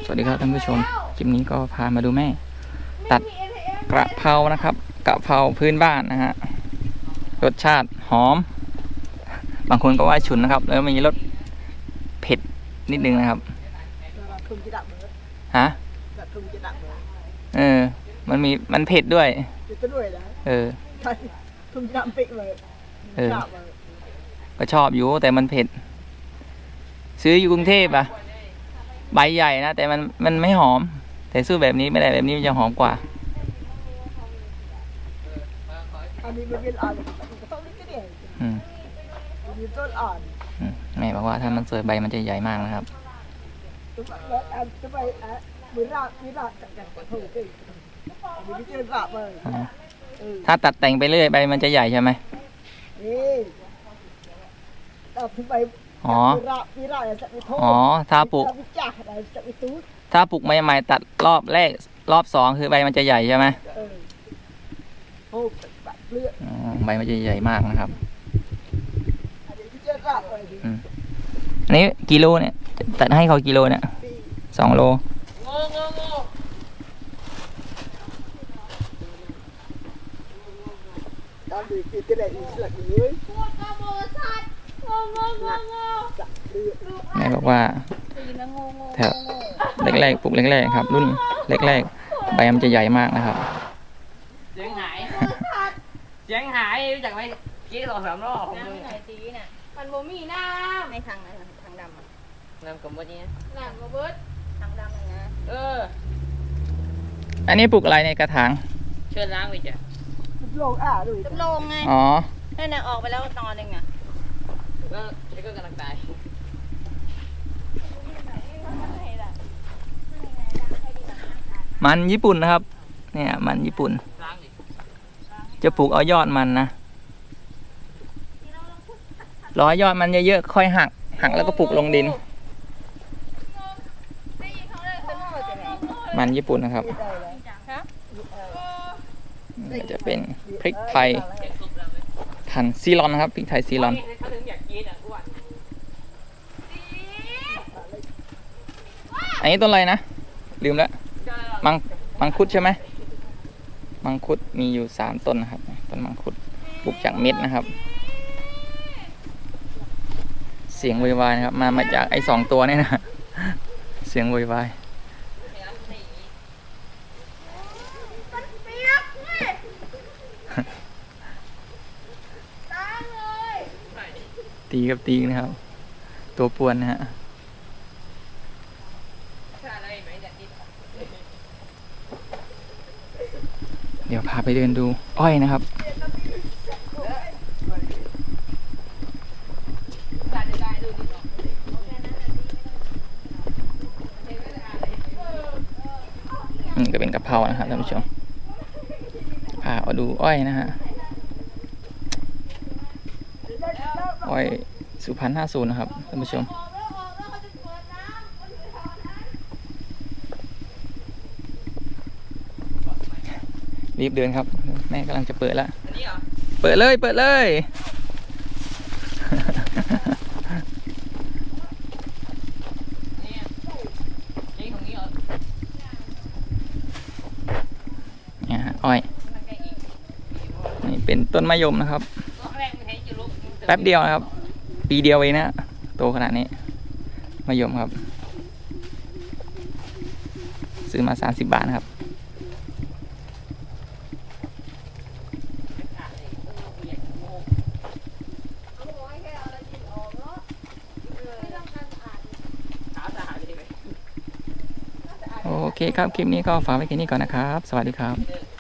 วัสดีครับท่านผู้ชมคลิปนี้ก็พามาดูแม่ตัดกระเพรานะครับกระเพราพื้นบ้านนะฮะรสชาติหอมบางคนก็ว่าฉุนนะครับแล้วมีรสเผ็ดนิดนึงนะครับฮะมันเผ็ดด้วยก็ชอบอยู่แต่มันเผ็ดซื้ออยู่กรุงเทพอะใบใหญ่นะแต่มันไม่หอมแต่สู้แบบนี้ไม่ได้แบบนี้มันจะหอมกว่าแม่บอกว่าถ้ามันสวยใบมันจะใหญ่มากนะครับถ้าตัดแต่งไปเรื่อยใบมันจะใหญ่ใช่ไหมอ๋อถ้าปลูกใหม่ๆตัดรอบแรกรอบสองคือใบมันจะใหญ่ใช่ไหมใบมันจะใหญ่มากนะครับอันนี้กิโลเนี่ยตัดให้เขากิโลเนี่ย2 โลแม่บอกว่าแถวแรกๆปลูกแรกๆครับรุ่นแรกๆใบมันจะใหญ่มากนะครับเสียงหายจากไม่กี่2-3 รอบน้ำไหนตีน่ะมันบ่มีน้ำในทางดำน้ำกบฏนี้น้ำกบฏทางดำนะอันนี้ปลูกอะไรในกระถางเชิญล้างไปจ้ะจำลงไงอ๋อนั่นน่ะออกไปแล้วตอนนึงอ่ะแล้วไอ้ก็กำลังตายมันญี่ปุ่นนะครับเนี่ยมันญี่ปุ่นจะปลูกเอายอดมันนะรอยอดมันเยอะๆค่อยหักแล้วก็ปลูกลงดินมันญี่ปุ่นนะครับจะเป็นพริกไทยพันธุ์ซีรอนนะครับพริกไทยซีรอนอันนี้ต้นอะไรนะลืมแล้วมังคุดใช่ไหมมังคุดมีอยู่3 ต้นนะครับต้นมังคุดปลูกจากเม็ดนะครับเสียงโวยวายนะครับมาจากไอ้2 ตัวนี่นะเสียงโวยวายตีกับตีนะครับตัวป่วนนะฮะเดี๋ยวพาไปเดินดูอ้อยนะครับก็เป็นกะเพรานะครับท่านผู้ชมพาเอาดูอ้อยนะฮะอ้อยสุพรรณ50นะครับท่านผู้ชมรีบเดินครับแม่กำลังจะเปิดแล้วเปิดเลยเนี่ยอ้อยนี่เป็นต้นมะยมนะครับแป๊บเดียวนะครับปีเดียวเองนะโตขนาดนี้มะยมครับซื้อมา30 บาทนะครับโอเคครับคลิปนี้ก็ฝากไว้แค่นี้ก่อนนะครับสวัสดีครับ